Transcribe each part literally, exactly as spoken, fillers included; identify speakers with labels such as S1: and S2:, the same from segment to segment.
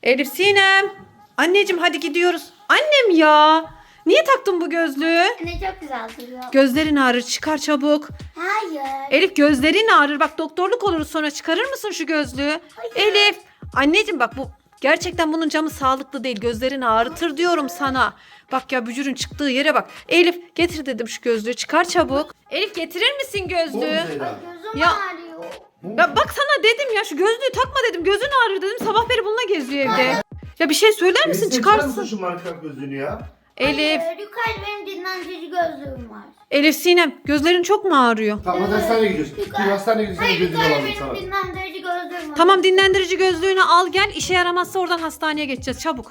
S1: Elif Sinem. Anneciğim hadi gidiyoruz. Annem ya. Niye taktın bu gözlüğü?
S2: Anne çok güzel duruyor.
S1: Gözlerin ağrır, çıkar çabuk.
S2: Hayır.
S1: Elif gözlerin ağrır, bak doktorluk oluruz sonra, çıkarır mısın şu gözlüğü?
S2: Hayır.
S1: Elif. Anneciğim bak, bu gerçekten bunun camı sağlıklı değil. Gözlerin ağrıtır diyorum sana. Bak ya, bücürün çıktığı yere bak. Elif getir dedim şu gözlüğü, çıkar çabuk. Elif getirir misin gözlüğü?
S2: Ay, gözüm
S1: Ya-
S2: ağrıyor.
S1: Ya bak sana dedim ya, şu gözlüğü takma dedim. Gözün ağrır dedim. Sabah beri bununla geziyor evde. Ya bir şey söyler misin?
S3: Elif, çıkar mısın
S1: Çıkarsın.
S3: şu marka gözlüğünü ya?
S1: Elif.
S2: Hayır, yukarıda benim dinlendirici gözlüğüm var.
S1: Elif Sinem, gözlerin çok mu ağrıyor?
S3: Tamam hadi hastaneye gidiyoruz. Bir hastaneye gidiyoruz.
S2: Hayır,
S3: Gözlüğü
S2: yukarıda
S3: alalım
S2: benim
S3: sana.
S2: dinlendirici gözlüğüm var.
S1: Tamam, dinlendirici gözlüğünü al gel. İşe yaramazsa oradan hastaneye geçeceğiz. Çabuk.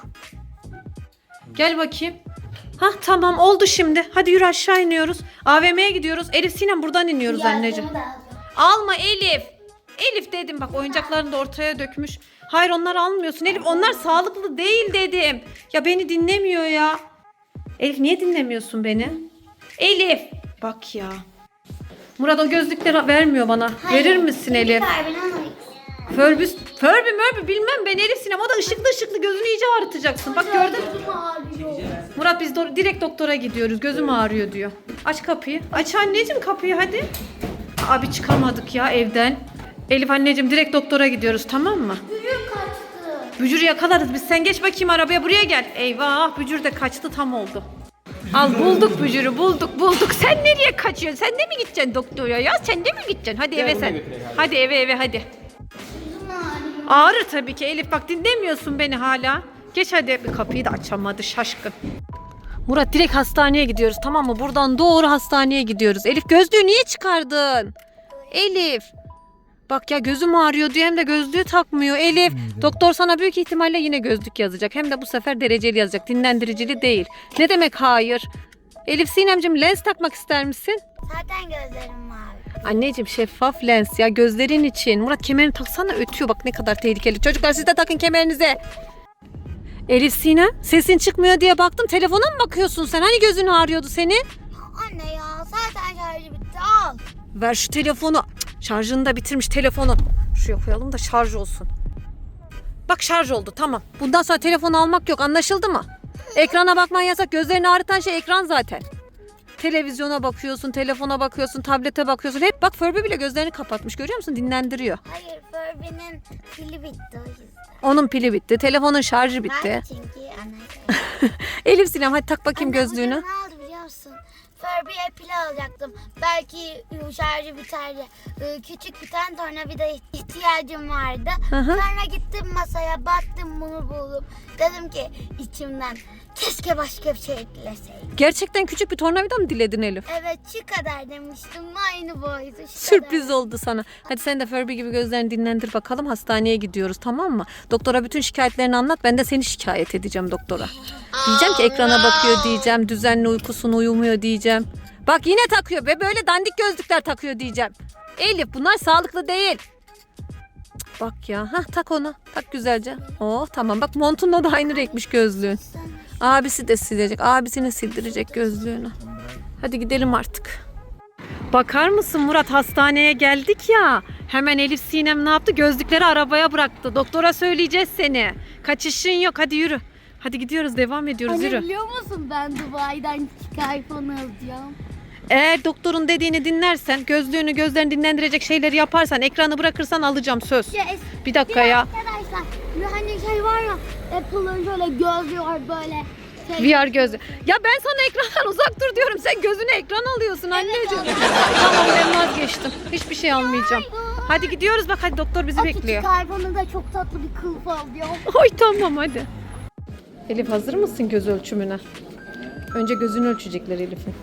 S1: Gel bakayım. Hah tamam, oldu şimdi. Hadi yürü, aşağı iniyoruz. A V M'ye gidiyoruz. Elif Sinem, buradan iniyoruz
S2: Yazlığımı
S1: anneciğim.
S2: da alacağım.
S1: Alma Elif. Elif dedim bak, oyuncaklarını da ortaya dökmüş. Hayır, onları almıyorsun Elif. Onlar sağlıklı değil dedim. Ya beni dinlemiyor ya. Elif niye dinlemiyorsun beni? Elif. Bak ya. Murat o gözlükleri vermiyor bana.
S2: Hayır,
S1: Verir misin Elif?
S2: Çıkar beni ama.
S1: Förbüs, Förbü mörbü bilmem ben Elif Sinem. O da ışıklı ışıklı, gözünü iyice ağrıtacaksın. Bak gördün mü?
S2: Gözüm ağrıyor.
S1: Murat biz do- direkt doktora gidiyoruz. Gözüm ağrıyor diyor. Aç kapıyı. Aç anneciğim kapıyı hadi. Abi çıkamadık ya evden. Elif anneciğim, direkt doktora gidiyoruz, tamam mı?
S2: Gücüm kaçtı.
S1: Bücürü yakalarız biz. Sen geç bakayım arabaya, buraya gel. Eyvah, bücür de kaçtı, tam oldu. Al, bulduk bücürü, bulduk bulduk. Sen nereye kaçıyorsun? Sen de mi gideceksin doktora ya? Sen de mi gideceksin? Hadi eve sen. Hadi eve eve hadi.
S2: Gözüm ağrıyor.
S1: Ağrır tabii ki Elif, bak dinlemiyorsun beni hala. Geç hadi. Kapıyı da açamadı şaşkın. Murat direkt hastaneye gidiyoruz, tamam mı? Buradan doğru hastaneye gidiyoruz. Elif gözlüğü niye çıkardın? Elif. Bak ya, gözüm ağrıyor diyor hem de gözlüğü takmıyor. Elif, doktor sana büyük ihtimalle yine gözlük yazacak. Hem de bu sefer dereceli yazacak, dinlendiricili değil. Ne demek hayır? Elif Sinemciğim, lens takmak ister misin?
S2: Zaten gözlerim mavi.
S1: Anneciğim, şeffaf lens ya, gözlerin için. Murat kemerini taksana, ötüyor bak, ne kadar tehlikeli. Çocuklar siz de takın kemerinize. Elif Sinem, sesin çıkmıyor diye baktım, telefona mı bakıyorsun sen? Hani gözün ağrıyordu senin?
S2: Anne ya, zaten şarjı bitti, al.
S1: Ver şu telefonu. Cık, şarjını da bitirmiş telefonu. Şuraya koyalım da şarj olsun. Bak şarj oldu, tamam. Bundan sonra telefon almak yok, anlaşıldı mı? Ekrana bakman yasak. Gözlerini ağrıtan şey ekran zaten. Televizyona bakıyorsun, telefona bakıyorsun, tablete bakıyorsun. Hep bak, Furby bile gözlerini kapatmış, görüyor musun? Dinlendiriyor.
S2: Hayır, Furby'nin pili bitti o yüzden.
S1: Onun pili bitti, telefonun şarjı bitti.
S2: Ben çünkü anne.
S1: Elif Sinem, hadi tak bakayım
S2: Anne,
S1: gözlüğünü.
S2: bugün ne oldu biliyor musun? Furby'ye pil alacaktım. Belki şarjı biter diye. Ee, Küçük bir tane tornavida ihtiyacım vardı.
S1: Hı hı.
S2: Sonra gittim masaya, baktım, bunu buldum. Dedim ki içimden, keşke başka bir şey dileseydim.
S1: Gerçekten küçük bir tornavida mı diledin Elif?
S2: Evet, şu kadar demiştim. Aynı boyutu. Şu
S1: Sürpriz
S2: kadar.
S1: oldu sana. Hadi sen de Furby gibi gözlerini dinlendir bakalım. Hastaneye gidiyoruz, tamam mı? Doktora bütün şikayetlerini anlat. Ben de seni şikayet edeceğim doktora. Diyeceğim ki ekrana bakıyor diyeceğim. Düzenli uykusunu uyumuyor diyeceğim. Bak yine takıyor ve böyle dandik gözlükler takıyor diyeceğim. Elif, bunlar sağlıklı değil. Cık, bak ya. Hah, tak onu. Tak güzelce. Oh tamam, bak montunla da aynı renkmiş gözlüğün. Abisi de silecek. Abisini sildirecek gözlüğünü. Hadi gidelim artık. Bakar mısın Murat, hastaneye geldik ya. Hemen Elif Sinem ne yaptı? Gözlükleri arabaya bıraktı. Doktora söyleyeceğiz seni. Kaçışın yok, hadi yürü. Hadi gidiyoruz, devam ediyoruz,
S2: Anne,
S1: yürü.
S2: biliyor musun, ben Dubai'den küçük iPhone alacağım.
S1: Eğer doktorun dediğini dinlersen, gözlüğünü gözlerini dinlendirecek şeyleri yaparsan, ekranı bırakırsan alacağım, söz.
S2: Ya, es-
S1: Bir dakika ya.
S2: Arkadaşlar, bir hani şey var ya, Apple'ın şöyle gözlüğü var böyle. Şey,
S1: V R gözlü. Ya ben sana ekrandan uzak dur diyorum. Sen gözüne ekran alıyorsun anneciğim. Tamam, ben vazgeçtim. Hiçbir şey almayacağım. Hadi gidiyoruz, bak hadi, doktor bizi
S2: o
S1: bekliyor.
S2: küçük iPhone'u da çok tatlı bir kılıf alıyor.
S1: Oy tamam hadi. Elif, hazır mısın göz ölçümüne? Önce gözünü ölçecekler Elif'in.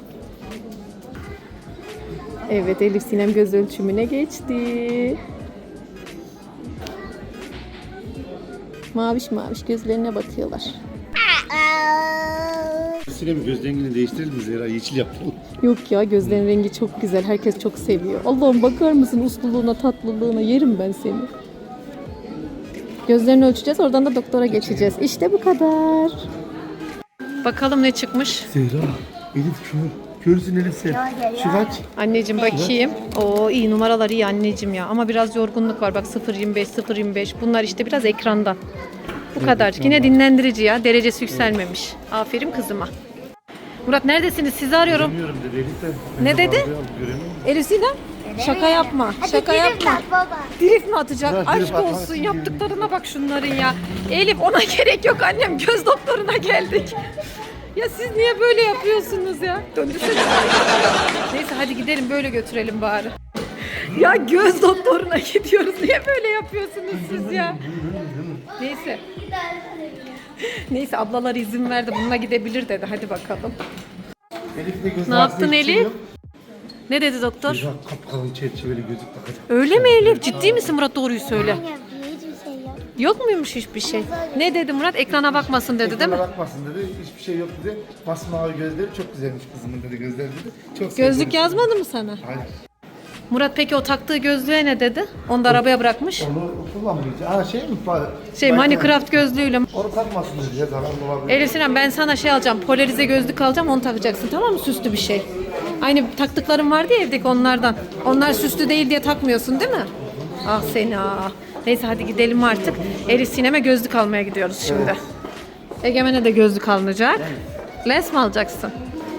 S1: Evet, Elif Sinem göz ölçümüne geçti. Maviş maviş gözlerine bakıyorlar.
S3: Sinem göz rengini değiştirelim mi Zehra? Yeşil yapalım.
S1: Yok ya, gözlerin rengi çok güzel. Herkes çok seviyor. Allah'ım, bakar mısın usluluğuna, tatlılığına, yerim ben seni. Gözlerini ölçeceğiz, oradan da doktora geçeceğiz. İşte bu kadar. Bakalım ne çıkmış.
S3: Zehra, Elif kör. Körsün Elif sen. Şu kaç?
S1: Anneciğim bakayım. Oo, iyi numaralar, iyi anneciğim ya. Ama biraz yorgunluk var. Bak sıfır yirmi beş, sıfır yirmi beş. Bunlar işte biraz ekrandan. Bu kadarcık. Yine dinlendirici ya. Derecesi yükselmemiş. Aferin kızıma. Murat neredesiniz? Sizi arıyorum.
S3: Göremiyorum dedi Elif de.
S1: Ne dedi?
S3: Göremiyorum.
S1: Elif Sinem? Şaka yapma.
S2: Hadi
S1: Şaka
S2: gidelim
S1: yapma.
S2: bak baba.
S1: Drift mi atacak?
S3: Evet, drift
S1: Aşk
S3: atmak
S1: olsun.
S3: için
S1: Yaptıklarına bak şunların ya. Elif ona gerek yok annem. Göz doktoruna geldik. Ya siz niye böyle yapıyorsunuz ya? Döndürsene. Neyse hadi gidelim böyle götürelim bari. Ya göz doktoruna gidiyoruz. Niye böyle yapıyorsunuz siz ya? Neyse. Neyse ablalar izin verdi. Bununla gidebilir dedi. Hadi bakalım.
S3: Elif de göz
S1: Ne yaptın
S3: altında hiçbir şey
S1: Elif?
S3: yok.
S1: Ne dedi doktor?
S3: Ya kapkalın çerçeveli gözlük takacak.
S1: Öyle mi Elif? Ciddi misin Murat? Doğruyu söyle.
S2: Anne hiçbir şey yok.
S1: Yok muymuş hiçbir şey? Ne dedi Murat? Ekrana bakmasın dedi değil mi?
S3: Ekrana bakmasın dedi. Hiçbir şey yok dedi. Masmavi gözleri çok güzelmiş kızımın dedi gözleri dedi. Çok
S1: Gözlük
S3: sevdim.
S1: yazmadı mı sana?
S3: Hayır.
S1: Murat peki o taktığı gözlüğe ne dedi? Onu da arabaya bırakmış.
S3: Onu kullanmayacak. Ha şey mi?
S1: Şey Minecraft gözlüğüyle.
S3: Onu takmasın dedi ya zararlı olabilir.
S1: Elif Sinem ben sana şey alacağım. Polarize gözlük alacağım onu takacaksın tamam mı? Süslü bir şey. Aynı taktıklarım vardı ya evdeki onlardan. Onlar süslü değil diye takmıyorsun değil mi? Ah seni ah. Neyse hadi gidelim artık. Elif Sinem'e gözlük almaya gidiyoruz şimdi. Egemen'e de gözlük alınacak. Lens mi alacaksın?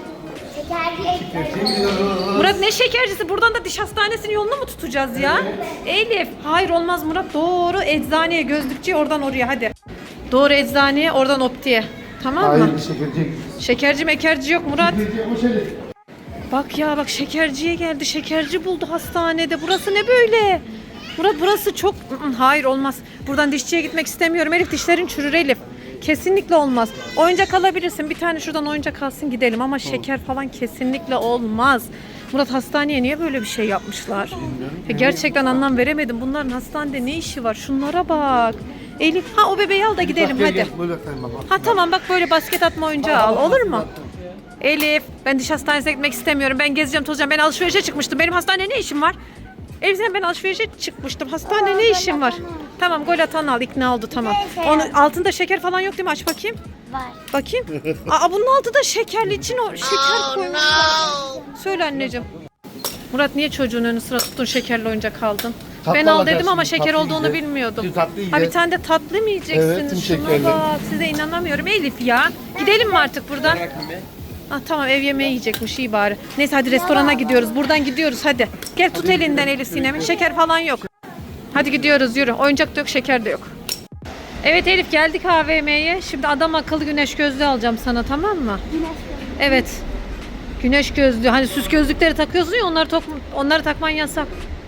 S2: Şekerli
S1: Murat ne şekercisi? Buradan da diş hastanesinin yolunu mu tutacağız ya? Elif. Hayır olmaz Murat. Doğru eczaneye, gözlükçüye oradan oraya hadi. Doğru eczaneye, oradan optiye. Tamam mı?
S3: Hayır bir şekerci.
S1: Şekerci mekerci yok Murat.
S3: Şekerci hoş Elif.
S1: Bak ya bak şekerciye geldi. Şekerci buldu hastanede. Burası ne böyle? Murat burası çok... Hayır olmaz. Buradan dişçiye gitmek istemiyorum. Elif dişlerin çürür Elif. Kesinlikle olmaz. Oyuncak alabilirsin. Bir tane şuradan oyuncak alsın gidelim ama şeker falan kesinlikle olmaz. Murat hastaneye niye böyle bir şey yapmışlar? Ya gerçekten anlam veremedim. Bunların hastanede ne işi var? Şunlara bak. Elif ha o bebeği al da gidelim
S3: Bak,
S1: hadi.
S3: gel, böyle yapayım bak.
S1: Ha tamam bak böyle basket atma oyuncağı al. Olur mu? Elif ben diş hastanesine gitmek istemiyorum. Ben gezeceğim tozacağım. Ben alışverişe çıkmıştım. Benim hastanede ne işim var? Elif sen ben alışverişe çıkmıştım. Hastanede ne işim var? Tamam gol atan al ikna oldu tamam. Onun altında şeker falan yok değil mi? Aç bakayım.
S2: var.
S1: Bakayım. Aa bunun altı da şekerli için o şeker koymuşlar. Söyle anneciğim. Murat niye çocuğun önü sıra tuttun şekerli oyuncak aldın?
S3: Tatlı
S1: Ben al
S3: alacağız
S1: dedim ama
S3: şimdi,
S1: şeker
S3: tatlı
S1: olduğunu
S3: yiyeceğiz.
S1: bilmiyordum.
S3: Şimdi tatlı
S1: Ha bir
S3: yiyeceğiz.
S1: tane de tatlı mı yiyeceksiniz?
S3: Evet, tüm
S1: Şuna
S3: şekerli.
S1: bak size inanamıyorum Elif ya. Gidelim mi artık buradan? Ah tamam ev yemeği yiyecekmiş iyi bari. Neyse hadi restorana gidiyoruz. Buradan gidiyoruz hadi. Gel tut elinden Elif Sinem'in. Şeker falan yok. Hadi gidiyoruz yürü. Oyuncak da yok şeker de yok. Evet Elif geldik A V M'ye. Şimdi adam akıllı güneş gözlüğü alacağım sana tamam mı? Evet. Güneş gözlüğü. Hani süs gözlükleri takıyorsun ya onları, tok- onları takman yasak.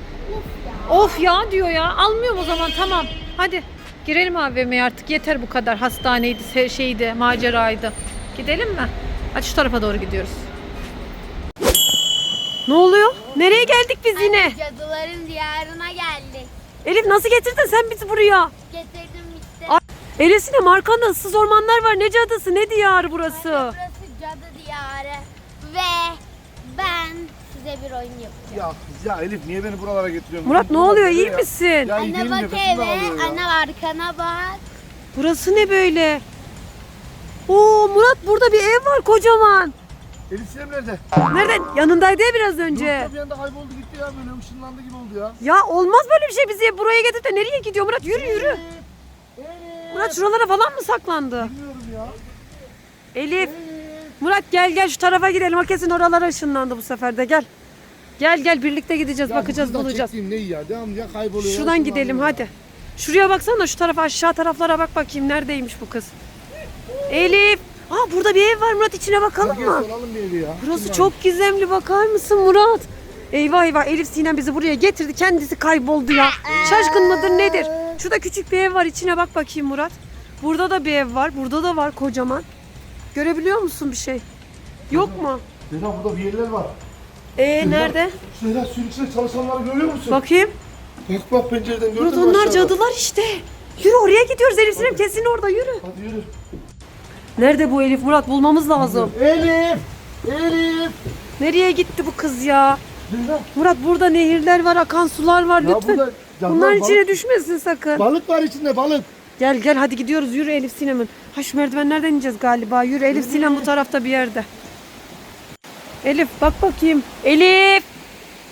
S1: Of ya diyor ya. Almıyorum o zaman tamam. Hadi girelim A V M'ye artık. Yeter bu kadar. Hastaneydi, se- şeydi, maceraydı. Gidelim mi? Hadi şu tarafa doğru gidiyoruz. Ne oluyor? Nereye geldik biz yine?
S2: Cadıların diyarına geldik.
S1: Elif nasıl getirdin sen bizi buraya?
S2: Getirdim işte.
S1: Ay, Elif Sinem arkanda ıssız ormanlar var. Ne cadısı ne diyarı burası?
S2: Burası cadı diyarı. Ve ben size bir oyun yapacağım.
S3: Ya, ya Elif niye beni buralara getiriyorsun?
S1: Murat ne oluyor iyi misin?
S3: Ya iyi
S2: Anne
S3: değilim,
S2: bak
S3: nefesim
S2: eve.
S3: daralıyor ya.
S2: Anne arkana bak.
S1: Burası ne böyle? Oo Murat burada bir ev var kocaman.
S3: Elif Sinem nerede?
S1: Nerede? Yanındaydı ya biraz önce.
S3: Yoksa bir anda kayboldu gitti ya böyle ışınlandı gibi oldu ya.
S1: Ya olmaz böyle bir şey bizi buraya getirip de nereye gidiyor Murat? Yürü yürü. Murat şuralara falan mı saklandı?
S3: Bilmiyorum ya.
S1: Elif. Murat gel gel şu tarafa gidelim. O kesin oralara ışınlandı bu sefer de gel. Gel gel birlikte gideceğiz
S3: Ya
S1: bakacağız
S3: buradan
S1: bulacağız.
S3: çektiğim ne iyi ya devamlı ya kayboluyor. ya,
S1: Şuradan gidelim
S3: ışınlanıyor.
S1: hadi. Şuraya baksana şu tarafa aşağı taraflara bak bakayım neredeymiş bu kız. Elif. Aa burada bir ev var Murat içine bakalım
S3: Gel
S1: mı?
S3: soralım bir evi ya.
S1: Burası
S3: Kim
S1: çok gizemli bakar mısın Murat? Eyvah eyvah Elif Sinem bizi buraya getirdi kendisi kayboldu ya. Şaşkın mıdır nedir? Şurada küçük bir ev var içine bak bakayım Murat. Burada da bir ev var burada da var kocaman. Görebiliyor musun bir şey? Yok mu?
S3: Zehra burada bir yerler var.
S1: Ee nerede?
S3: Zehra suyun içinde çalışanları görüyor musun?
S1: Bakayım.
S3: Bak bak pencereden gördün
S1: Murat
S3: mü
S1: onlar
S3: aşağıda?
S1: cadılar işte. Yürü oraya gidiyoruz Elif Sinem kesin orada yürü.
S3: Hadi yürü.
S1: Nerede bu Elif Murat bulmamız lazım.
S3: Elif! Elif!
S1: Nereye gitti bu kız ya?
S3: Zehra!
S1: Murat burada nehirler var akan sular var
S3: Ya
S1: lütfen.
S3: burada cadılar,
S1: Bunların
S3: balık-
S1: içine düşmesin sakın.
S3: Balık var içinde balık.
S1: Gel gel hadi gidiyoruz yürü Elif Sinem'in. Ha şu merdivenlerden ineceğiz galiba. Yürü Elif Sinem bu tarafta bir yerde. Elif bak bakayım. Elif. Burada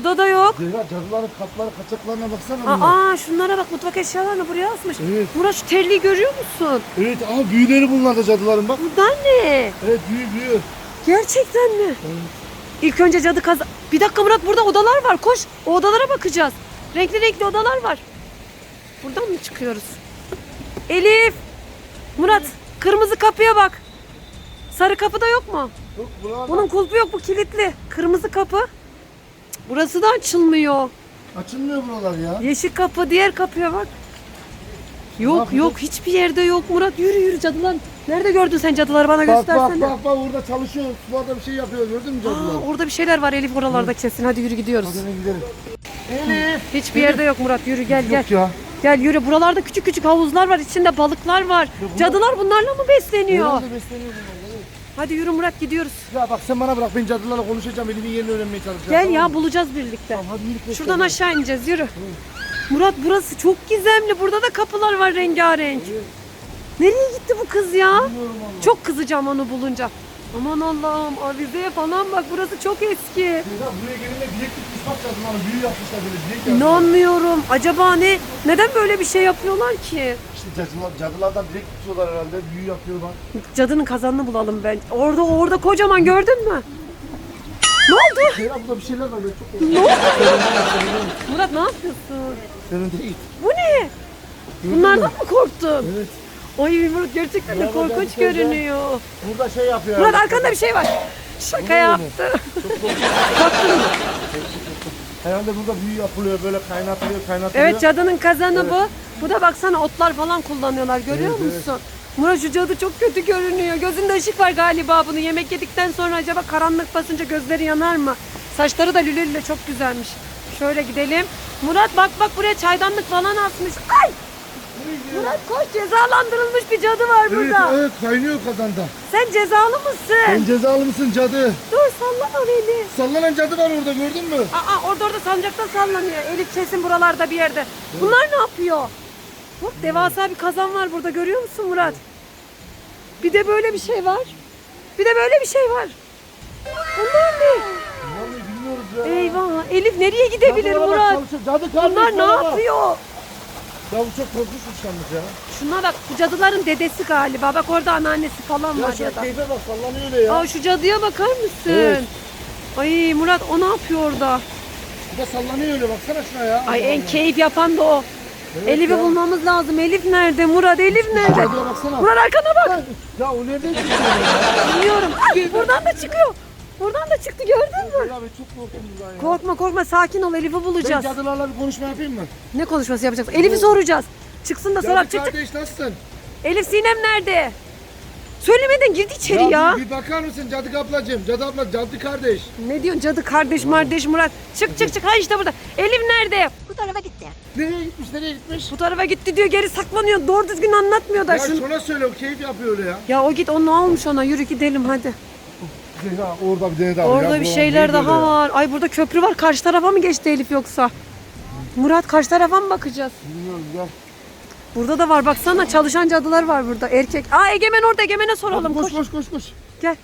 S1: Burada da yok.
S3: Zehra cadıların kapları kaçaklarına baksana. bunlar.
S1: Aa şunlara bak, mutfak eşyalarını buraya asmış.
S3: Evet.
S1: Murat şu terliği görüyor musun?
S3: Evet aa büyüleri bunlar da cadıların bak.
S1: Bunlar ne?
S3: Evet büyü büyü.
S1: Gerçekten mi? İlk önce cadı kaz... Bir dakika Murat, burada odalar var, koş. O odalara bakacağız. Renkli renkli odalar var. Buradan mı çıkıyoruz? Elif! Murat, kırmızı kapıya bak. Sarı kapı da yok mu?
S3: Yok buralar
S1: Bunun kulpu yok, bu kilitli. Kırmızı kapı. Cık, burası da açılmıyor.
S3: açılmıyor buralar ya.
S1: Yeşil kapı, diğer kapıya bak.
S3: Ne
S1: Yok
S3: yapacağız?
S1: yok, hiçbir yerde yok Murat. Yürü yürü, cadılar. Nerede gördün sen cadıları, bana
S3: Bak bak
S1: göstersene.
S3: bak bak orada çalışıyor. Sularda bir şey yapıyor gördün mü cadılar?
S1: Aa, orada bir şeyler var Elif, oralarda kesin. Hadi yürü gidiyoruz.
S3: Hadi gidelim. Elif.
S1: Hiçbir yerde yok Murat, yürü gel gel.
S3: Yok ya.
S1: Gel yürü, buralarda küçük küçük havuzlar var, içinde balıklar var.
S3: bunlar-
S1: Cadılar bunlarla mı besleniyor?
S3: Herhalde besleniyor bunlar. Evet.
S1: Hadi yürü Murat, gidiyoruz.
S3: Ya bak sen bana bırak, ben cadılarla konuşacağım. Elimin yerini öğrenmeye çalışacağım.
S1: Gel
S3: tamam
S1: ya,
S3: mı?
S1: bulacağız birlikte.
S3: Tamam, hadi yürü.
S1: Şuradan aşağı ineceğiz, yürü. Murat burası çok gizemli, burada da kapılar var rengarenk. Nereye gitti bu kız ya? Çok kızacağım onu bulunca. Aman Allah'ım, avizeye falan bak, burası çok eski.
S3: Ya buraya gelince bileklik kısmak lazım. Hani büyü yapmışlar böyle bilek yapmışlar.
S1: İnanmıyorum. Acaba ne? Neden böyle bir şey yapıyorlar ki?
S3: İşte cadılar, cadılardan bilek tutuyorlar herhalde. Büyü yapıyorlar.
S1: Cadının kazanını bulalım ben. Orada orada kocaman, gördün mü? Ne oldu?
S3: Ya burada bir şeyler var böyle çok.
S1: Ne oldu? Murat ne yapıyorsun?
S3: Senin değil.
S1: Bu ne? Bunlardan mı korktun?
S3: Evet.
S1: Ay Murat, gerçekten de
S3: Bravo,
S1: korkunç
S3: ben de
S1: görünüyor.
S3: Burada şey yapıyor.
S1: Murat
S3: herhalde.
S1: arkanda bir şey var. Şaka
S3: Ne
S1: yaptı.
S3: Herhalde burada büyü yapılıyor böyle kaynatılıyor kaynatılıyor.
S1: Evet, cadının kazanı bu. Bu da baksana, otlar falan kullanıyorlar, görüyor
S3: Evet,
S1: musun? Murat şu cadı çok kötü görünüyor. Gözünde ışık var galiba bunu. Yemek yedikten sonra acaba karanlık basınca gözleri yanar mı? Saçları da lülülle çok güzelmiş. Şöyle gidelim. Murat bak bak, buraya çaydanlık falan asmış. Ay! Murat koş, cezalandırılmış bir cadı var
S3: Evet,
S1: burada.
S3: evet kaynıyor kazanda.
S1: Sen cezalı mısın?
S3: Sen cezalı mısın cadı?
S1: Dur, sallama beni.
S3: Sallanan cadı var orada gördün mü?
S1: Aa, orada orada sancakta sallanıyor. Elif kesin buralarda bir yerde. Bunlar ne yapıyor? Bak, devasa bir kazan var burada, görüyor musun Murat? Bir de böyle bir şey var. Bir de böyle bir şey var. Bunlar ne?
S3: Vallahi bilmiyoruz ya.
S1: Eyvah, Elif nereye gidebilir
S3: Cadılara bak,
S1: Murat?
S3: çalışıyor. Cadı kardeş
S1: Bunlar ne
S3: bana bak.
S1: yapıyor?
S3: Ya bu çok korkunçmuş yalnız ya.
S1: Şuna bak, bu cadıların dedesi galiba. Bak orada anneannesi falan
S3: Ya
S1: var
S3: şu
S1: ya da.
S3: keyfe bak sallanıyor öyle ya.
S1: Aa, şu cadıya bakar mısın?
S3: Evet.
S1: Ay Murat, o ne yapıyor orada?
S3: Bir de sallanıyor öyle baksana şuna ya.
S1: Ay en keyif yapan da o.
S3: Evet
S1: Elif'i
S3: ya.
S1: bulmamız lazım. Elif nerede Murat? Elif nerede?
S3: Cadıya baksana.
S1: Murat arkana bak.
S3: Ya o nereden çıkıyor ya?
S1: Bilmiyorum. Ay, buradan da çıkıyor. Buradan da çıktı, gördün mü?
S3: Ya ben çok korktum bundan ya.
S1: Korkma korkma, sakin ol, Elif'i
S3: Ben
S1: bulacağız.
S3: cadılarla bir konuşma yapayım mı?
S1: Ne konuşması yapacağız? Elif'i soracağız. Çıksın da soralım.
S3: Cadı
S1: Çık çık.
S3: kardeş nasılsın?
S1: Elif, Sinem nerede? Söylemeden girdi içeri ya.
S3: Bir, bir bakar mısın cadı ablacığım? Cadı abla, cadı kardeş.
S1: Ne diyorsun cadı kardeş mardeş Murat? Çık çık çık. Ha işte burada. Elif nerede?
S2: Bu tarafa gitti.
S3: Nereye gitmiş, nereye gitmiş?
S1: Bu tarafa gitti diyor, geri saklanıyor. Doğru düzgün anlatmıyor da.
S3: Ya
S1: Şunu...
S3: şuna söyle, o keyif yapıyor öyle ya.
S1: Ya o git, o ne olmuş ona? Yürü gidelim hadi.
S3: Zehra orada bir tane daha var.
S1: Orada
S3: ya.
S1: bir
S3: Bu
S1: şeyler
S3: ne
S1: daha
S3: böyle ya?
S1: var. Ay burada köprü var. Karşı tarafa mı geçti Elif yoksa? Murat, karşı tarafa mı bakacağız?
S3: Bilmiyorum ya.
S1: Burada da var, baksana, çalışan cadılar var burada, erkek. Aa, Egemen orada, Egemen'e soralım.
S3: Koş
S1: Koş.
S3: koş koş koş.
S1: Gel.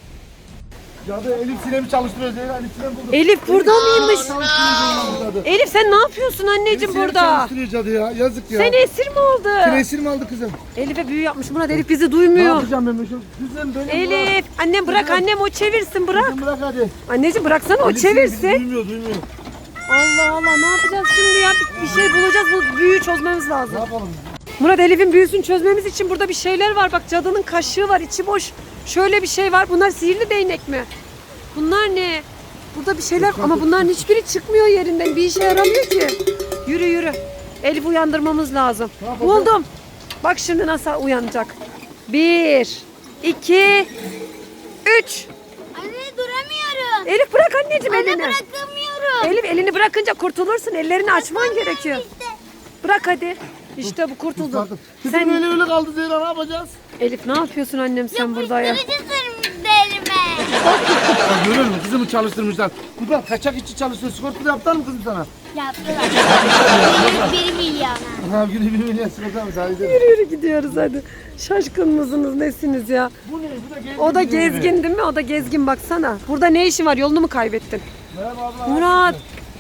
S3: Cadı Elif Sinem'i çalıştırıyor Zehra. Elif Sinem buldu.
S1: Elif burada mıymış?
S3: Çalıştırıyor Zehra cadı.
S1: Elif sen ne yapıyorsun
S3: Elif
S1: anneciğim
S3: Sinem'i
S1: burada?
S3: çalıştırıyor cadı ya. Yazık ya.
S1: Seni esir mi aldı?
S3: Seni esir mi aldı kızım?
S1: Elif'e büyü yapmış Murat, Elif bizi
S3: Ne
S1: duymuyor.
S3: yapacağım ben şu? Kızım benim
S1: Elif, annem bırak,
S3: Kızım.
S1: annem o çevirsin, bırak.
S3: Kızım bırak hadi.
S1: Anneciğim bıraksana, o
S3: Elif Sinem bizi
S1: çevirsin.
S3: Duymuyor duymuyor.
S1: Allah Allah, ne yapacağız şimdi ya? Bir, bir şey bulacağız, bu büyüyü çözmemiz
S3: Ne
S1: lazım.
S3: yapalım?
S1: Murat, Elif'in büyüsünü çözmemiz için burada bir şeyler var. Bak, cadının kaşığı var, içi boş. Şöyle bir şey var. Bunlar sihirli değnek mi? Bunlar ne? Burada bir şeyler ama bunların hiçbiri çıkmıyor yerinden. Bir işe yaramıyor ki. Yürü yürü. Elif uyandırmamız lazım.
S3: Ne yapacağız?
S1: Buldum. Bak şimdi nasıl uyanacak. Bir, iki, üç.
S2: Anne duramıyorum.
S1: Elif bırak anneciğim
S2: Anne
S1: elini.
S2: bırakamıyorum.
S1: Elif elini bırakınca kurtulursun. Ellerini açman gerekiyor.
S2: İşte.
S1: Bırak hadi. İşte bu kurtuldu.
S3: Kurtardım. Kızım
S1: Sen
S3: öyle öyle kaldı Zehra, ne yapacağız?
S1: Elif ne yapıyorsun annem sen burada ya?
S2: Yapıştırıcı sürmüş elime.
S3: Ya görüyor musun? Kızımı çalıştırmışlar. Bu da kaçak işçi çalışıyor. Sigorta da yaptılar mı kızım sana?
S2: Yaptılar. Bir, bir milyon.
S3: Ha günü bir milyon sigorta mı sadece?
S1: Yürü yürü gidiyoruz hadi. Şaşkın mısınız nesiniz ya?
S3: Bu ne? Bu da gezgin.
S1: O da
S3: bizim gibi.
S1: gezgin değil mi? O da gezgin baksana. Burada ne işin var? Yolunu mu kaybettin?
S3: Merhaba abla.
S1: Murat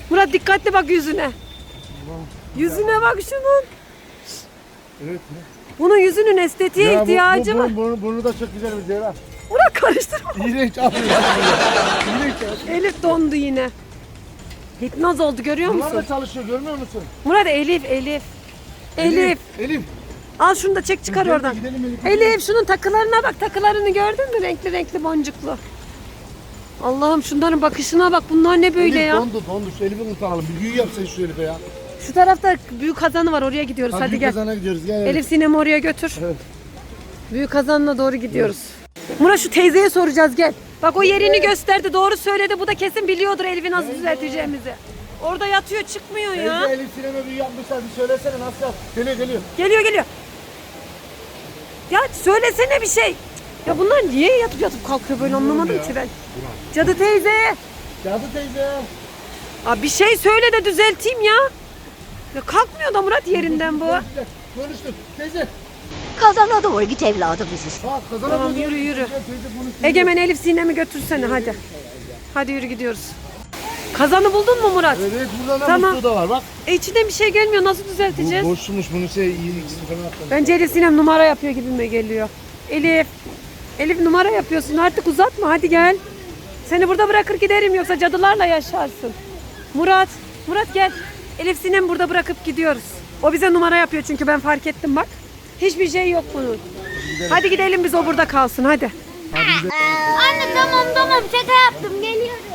S1: Murat dikkatli bak yüzüne. Yüzüne bak şunun.
S3: Evet.
S1: Bunun yüzünün estetiğe
S3: Ya bu-
S1: ihtiyacı
S3: bu,
S1: var.
S3: bu, Burnu, burnu da çok güzel bir cerrah.
S1: Murat karıştırma.
S3: İğrenç yapıyor. İğrenç ya.
S1: Elif dondu yine. Hipnoz oldu görüyor
S3: Bunlar
S1: musun?
S3: da çalışıyor görmüyor musun?
S1: Murat Elif Elif. Elif.
S3: Elif.
S1: Al şunu da çek çıkar
S3: Gidelim,
S1: oradan.
S3: gidelim Elif.
S1: Elif şunun takılarına bak, takılarını gördün mü? Renkli renkli boncuklu. Allah'ım şunların bakışına bak, bunlar ne böyle
S3: Elif
S1: ya?
S3: dondu dondu. Şu Elif'i kurtaralım. Bir büyü yapsın şu Elif'e ya.
S1: Şu tarafta büyük kazanı var, oraya gidiyoruz. Hadi,
S3: büyük
S1: gel.
S3: kazana gidiyoruz. Gel
S1: Elif Sinem'i oraya götür.
S3: Evet.
S1: Büyük kazanına doğru gidiyoruz. Murat şu teyzeye soracağız, gel. Bak o yerini gösterdi, doğru söyledi. Bu da kesin biliyordur Elif'i nasıl düzelteceğimizi. Orada yatıyor, çıkmıyor ya.
S3: Teyze Elif sinema büyü yapmışlar. Bir söylesene nasıl yap. Geliyor geliyor.
S1: Geliyor geliyor. Ya söylesene bir şey. Ya bunlar niye yatıp yatıp kalkıyor böyle, anlamadım
S3: ya.
S1: ki ben. Cadı teyze.
S3: Cadı teyze.
S1: Aa, bir şey söyle de düzelteyim ya. Ya kalkmıyor da Murat yerinden bu.
S3: Konuştuk. Konuştuk. Teyze.
S4: Kazana doğru git evladım bizi.
S3: Bak kazana
S1: Tamam,
S3: doğru
S1: yürü,
S3: gidiyor.
S1: yürü.
S3: Teyze konuştuk.
S1: Egemen Elif Sinem'i götürsene hadi. Hadi yürü gidiyoruz. Kazanı buldun mu Murat?
S3: Evet burada da
S1: Tamam.
S3: musluğu da var bak.
S1: E içinden bir şey gelmiyor, nasıl
S3: Bu
S1: düzelteceğiz?
S3: boşmuş bunu şey iyi ikisini falan attım.
S1: Bence Elif Sinem numara yapıyor gibime geliyor. Elif. Elif numara yapıyorsun, artık uzatma, hadi gel. Seni burada bırakır giderim, yoksa cadılarla yaşarsın. Murat. Murat gel. Elif Sinem burada bırakıp gidiyoruz. O bize numara yapıyor çünkü ben fark ettim bak. Hiçbir şey yok bunun. Hadi gidelim biz, o burada kalsın hadi.
S2: Anne tamam tamam şaka yaptım geliyorum.